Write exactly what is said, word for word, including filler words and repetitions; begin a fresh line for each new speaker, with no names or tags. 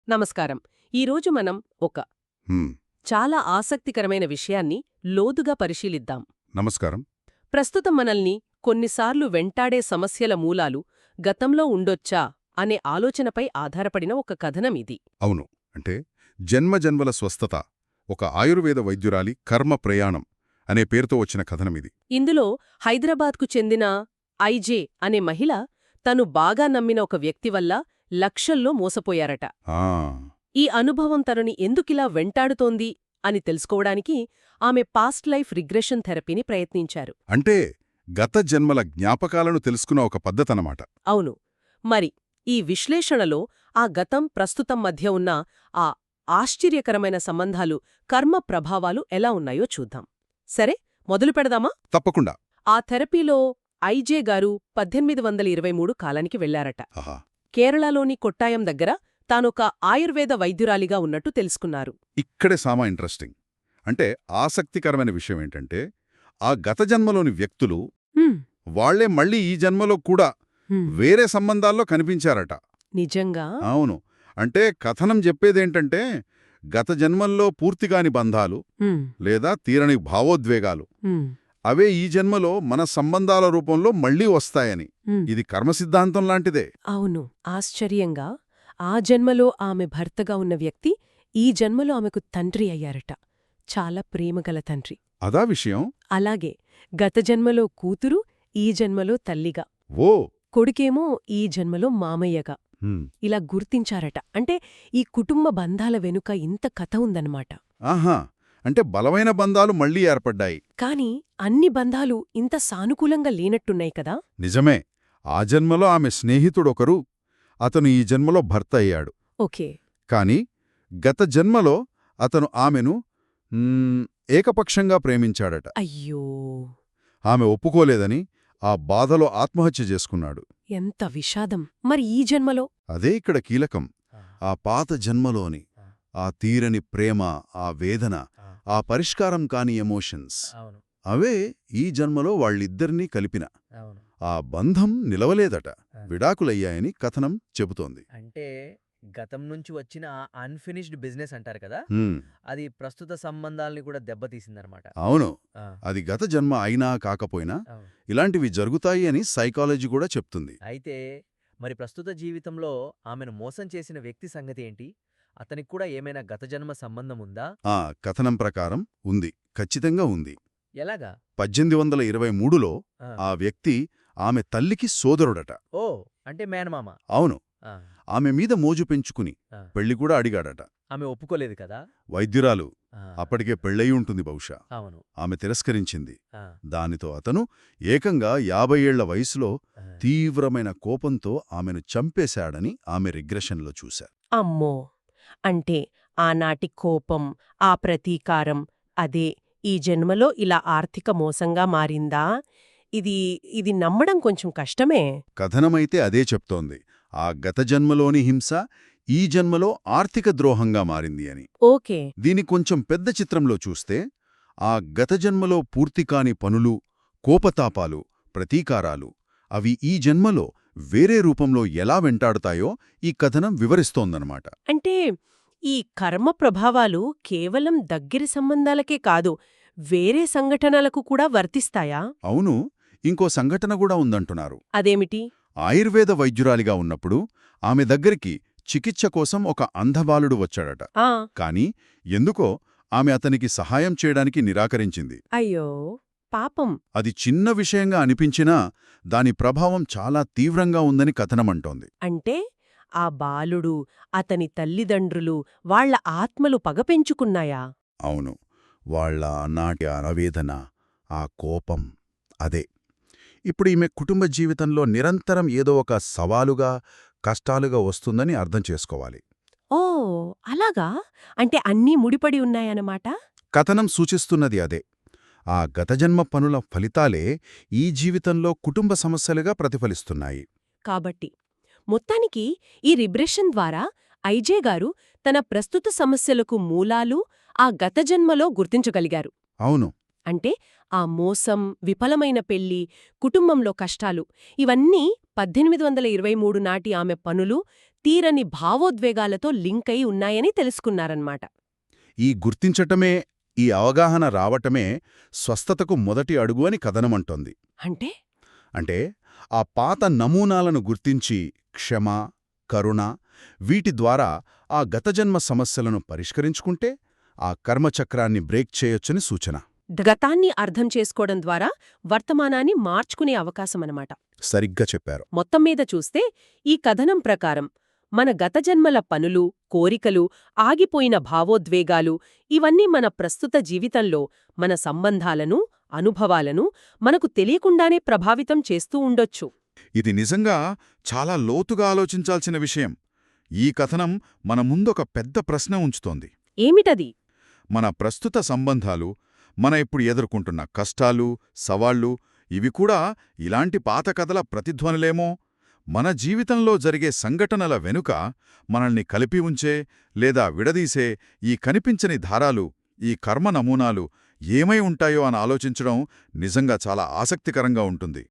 నమస్కారం. ఈరోజు మనం ఒక
హ్మ్.
చాలా ఆసక్తికరమైన విషయాన్ని లోతుగా పరిశీలిద్దాం.
నమస్కారం.
ప్రస్తుతం మనల్ని కొన్నిసార్లు వెంటాడే సమస్యల మూలాలు గతంలో ఉండొచ్చా అనే ఆలోచనపై ఆధారపడిన ఒక కథనం ఇది.
అవును. అంటే జన్మజన్మల స్వస్థత ఒక ఆయుర్వేద వైద్యురాలి కర్మ ప్రయాణం అనే పేరుతో వచ్చిన కథనమిది.
ఇందులో హైదరాబాద్కు చెందిన ఐజే అనే మహిళ తను బాగా నమ్మిన ఒక వ్యక్తి వల్ల లక్షల్లో మోసపోయారట.
ఆ
ఈ అనుభవం తనని ఎందుకిలా వెంటాడుతోంది అని తెలుసుకోవడానికి ఆమె పాస్ట్ లైఫ్ రిగ్రెషన్ థెరపీని ప్రయత్నించారు.
అంటే గత జన్మల జ్ఞాపకాలను తెలుసుకున్న ఒక పద్ధతనమాట.
అవును. మరి ఈ విశ్లేషణలో ఆ గతం ప్రస్తుతం మధ్య ఉన్న ఆ ఆశ్చర్యకరమైన సంబంధాలు, కర్మ ప్రభావాలు ఎలా ఉన్నాయో చూద్దాం. సరే, మొదలు పెడదామా?
తప్పకుండా.
ఆ థెరపీలో ఐజే గారు పద్దెనిమిది వందల ఇరవై మూడు కాలానికి వెళ్లారట.
ఆహా.
కేరళలోని కొట్టాయం దగ్గర తానొక ఆయుర్వేద వైద్యురాలిగా ఉన్నట్టు తెలుసుకున్నారు.
ఇక్కడే సామా ఇంట్రెస్టింగ్. అంటే ఆసక్తికరమైన విషయం ఏంటంటే ఆ గత జన్మలోని వ్యక్తులు
హ్మ్,
వాళ్లే మళ్ళీ ఈ జన్మలో కూడా
హ్మ్.
వేరే సంబంధాల్లో కనిపించారట.
నిజంగా?
అవును. అంటే కథనం చెప్పేదేంటంటే గత జన్మల్లో పూర్తిగాని బంధాలు
హ్మ్,
లేదా తీరని భావోద్వేగాలు
హ్మ్,
అవే ఈ జన్మలో మన సంబంధాల రూపంలో మళ్లీ వస్తాయని.
హ్మ్.
ఇది కర్మ సిద్ధాంతం లాంటిదే.
అవును. ఆశ్చర్యంగా ఆ జన్మలో ఆమె భర్తగా ఉన్న వ్యక్తి ఈ జన్మలో ఆమెకు తండ్రి అయ్యారట. చాలా ప్రేమగల తండ్రి.
అదా విషయం.
అలాగే గత జన్మలో కూతురు ఈ జన్మలో తల్లిగా,
ఓ
కొడుకేమో ఈ జన్మలో మామయ్యగా
హ్మ్.
ఇలా గుర్తించారట. అంటే ఈ కుటుంబ బంధాల వెనుక ఇంత కథ ఉందన్నమాట.
ఆహా. అంటే బలమైన బంధాలు మళ్లీ ఏర్పడ్డాయి.
కాని అన్ని బంధాలు ఇంత సానుకూలంగా లేనట్టున్నాయి కదా.
నిజమే. ఆ జన్మలో ఆమె స్నేహితుడొకరు, అతను ఈ జన్మలో భర్త అయ్యాడు.
ఓకే.
కాని గత జన్మలో అతను ఆమెను మ్, ఏకపక్షంగా ప్రేమించాడట.
అయ్యో,
ఆమె ఒప్పుకోలేదని ఆ బాధలో ఆత్మహత్య చేసుకున్నాడు.
ఎంత విషాదం. మరి ఈ జన్మలో?
అదే ఇక్కడ కీలకం. ఆ పాత జన్మలోని ఆ తీరని ప్రేమ, ఆ వేదన, ఆ పరిష్కారం కాని ఎమోషన్స్ అవే ఈ జన్మలో వాళ్ళిద్దరినీ కలిపిన ఆ బంధం నిలవలేదట. విడాకులయ్యాయని కథనం చెబుతోంది.
అంటే గతం నుంచి వచ్చిన అన్ఫినిష్డ్ బిజినెస్ అంటారు కదా,
హ్మ్.
అది ప్రస్తుత సంబంధాలని కూడా దెబ్బతీసిందనమాట.
అవును.
ఆ,
అది గత జన్మ అయినా కాకపోయినా
అవును.
ఇలాంటివి జరుగుతాయి అని సైకాలజీ కూడా చెప్తుంది.
అయితే మరి ప్రస్తుత జీవితంలో ఆమెను మోసం చేసిన వ్యక్తి సంగతి ఏంటి? అతనికి కూడా ఏమైనా గత జన్మ సంబంధం ఉందా?
ఆ కథనం ప్రకారం ఉంది. ఖచ్చితంగా ఉంది.
ఎలాగా?
పద్దెనిమిది వందల ఇరవై మూడులో
ఆ.
ఆ వ్యక్తి ఆమె తల్లికి సోదరుడట.
ఓ, అంటే మేనమామ.
అవును.
ఆ,
ఆమె మీద మోజు పెంచుకుని
ఆ.
పెళ్లి కూడా అడిగాడట.
ఆమె ఒప్పుకోలేదు కదా.
వైద్యురాలు.
ఆ,
అప్పటికే పెళ్ళయి ఉంటుంది బహుశా.
అవును.
ఆమె తిరస్కరించింది.
ఆ,
దానితో అతను ఏకంగా యాభై ఏళ్ల వయసులో
ఆ.
తీవ్రమైన కోపంతో ఆమెను చంపేశాడని ఆమె రిగ్రెషన్లో చూశారు.
అమ్మో! అంటే ఆనాటి కోపం, ఆ ప్రతీకారం అదే ఈ జన్మలో ఇలా ఆర్థిక మోసంగా మారిందా? ఇది ఇది నమ్మడం కొంచెం కష్టమే.
కథనమైతే అదే చెప్తోంది. ఆ గత జన్మలోని హింస ఈ జన్మలో ఆర్థిక ద్రోహంగా మారింది అని.
ఓకే.
దీని కొంచెం పెద్ద చిత్రంలో చూస్తే ఆ గత జన్మలో పూర్తికాని పనులు, కోపతాపాలు, ప్రతీకారాలు అవి ఈ జన్మలో వేరే రూపంలో ఎలా వెంటాడుతాయో ఈ కథనం వివరిస్తోందనమాట.
అంటే ఈ కర్మ ప్రభావాలు కేవలం దగ్గరి సంబంధాలకే కాదు, వేరే సంఘటనలకు కూడా వర్తిస్తాయా?
అవును. ఇంకో సంఘటన కూడా ఉందంటున్నారు.
అదేమిటి?
ఆయుర్వేద వైద్యురాలిగా ఉన్నప్పుడు ఆమె దగ్గరికి చికిత్స కోసం ఒక అంధబాలుడు వచ్చాడట.
ఆ
కాని ఎందుకో ఆమె అతనికి సహాయం చేయడానికి నిరాకరించింది.
అయ్యో, పాపం.
అది చిన్న విషయంగా అనిపించినా దాని ప్రభావం చాలా తీవ్రంగా ఉందని కథనమంటోంది.
అంటే ఆ బాలుడు, అతని తల్లిదండ్రులు, వాళ్ళ ఆత్మలు పగ పెంచుకున్నాయా?
అవును. వాళ్ళ నాటి ఆవేదన, ఆ కోపం అదే ఇప్పుడు ఈమె కుటుంబ జీవితంలో నిరంతరం ఏదో ఒక సవాలుగా, కష్టాలుగా వస్తుందని అర్థం చేసుకోవాలి.
ఓ, అలాగా? అంటే అన్నీ ముడిపడి ఉన్నాయన్నమాట?
కథనం సూచిస్తున్నది అదే. ఆ గతజన్మ పనుల ఫలితాలే ఈ జీవితంలో కుటుంబ సమస్యలుగా ప్రతిఫలిస్తున్నాయి.
కాబట్టి మొత్తానికి ఈ రిబ్రెషన్ ద్వారా ఐజే గారు తన ప్రస్తుత సమస్యలకు మూలాలు ఆ గత జన్మలో గుర్తించగలిగారు.
అవును.
అంటే ఆ మోసం, విఫలమైన పెళ్లి, కుటుంబంలో కష్టాలు ఇవన్నీ పద్దెనిమిది వందల ఇరవై మూడు నాటి ఆమె పనులు, తీరని భావోద్వేగాలతో లింక్ అయి ఉన్నాయని తెలుసుకున్నారన్నమాట.
ఈ గుర్తించటమే, ఈ అవగాహన రావటమే స్వస్థతకు మొదటి అడుగు అని కథనమంటోంది.
అంటే
అంటే ఆ పాత నమూనాలను గుర్తించి క్షమ, కరుణ వీటి ద్వారా ఆ గతజన్మ సమస్యలను పరిష్కరించుకుంటే ఆ కర్మచక్రాన్ని బ్రేక్ చేయొచ్చని సూచన.
గతాన్ని అర్థం చేసుకోవడం ద్వారా వర్తమానాన్ని మార్చుకునే అవకాశమన్నమాట.
సరిగ్గా చెప్పారు.
మొత్తం మీద చూస్తే ఈ కథనం ప్రకారం మన గతజన్మల పనులు, కోరికలు, ఆగిపోయిన భావోద్వేగాలు ఇవన్నీ మన ప్రస్తుత జీవితంలో మన సంబంధాలను, అనుభవాలను మనకు తెలియకుండానే ప్రభావితం చేస్తూ ఉండొచ్చు.
ఇది నిజంగా చాలా లోతుగా ఆలోచించాల్సిన విషయం. ఈ కథనం మన ముందొక పెద్ద ప్రశ్న ఉంచుతోంది.
ఏమిటది?
మన ప్రస్తుత సంబంధాలు, మన ఇప్పుడు ఎదుర్కొంటున్న కష్టాలు, సవాళ్లు ఇవి కూడా ఇలాంటి పాత కథల ప్రతిధ్వనులేమో? మన జీవితంలో జరిగే సంఘటనల వెనుక మనల్ని కలిపి ఉంచే లేదా విడదీసే ఈ కనిపించని ధారాలు, ఈ కర్మ నమూనాలు ఏమై ఉంటాయో అని ఆలోచించడం నిజంగా చాలా ఆసక్తికరంగా ఉంటుంది.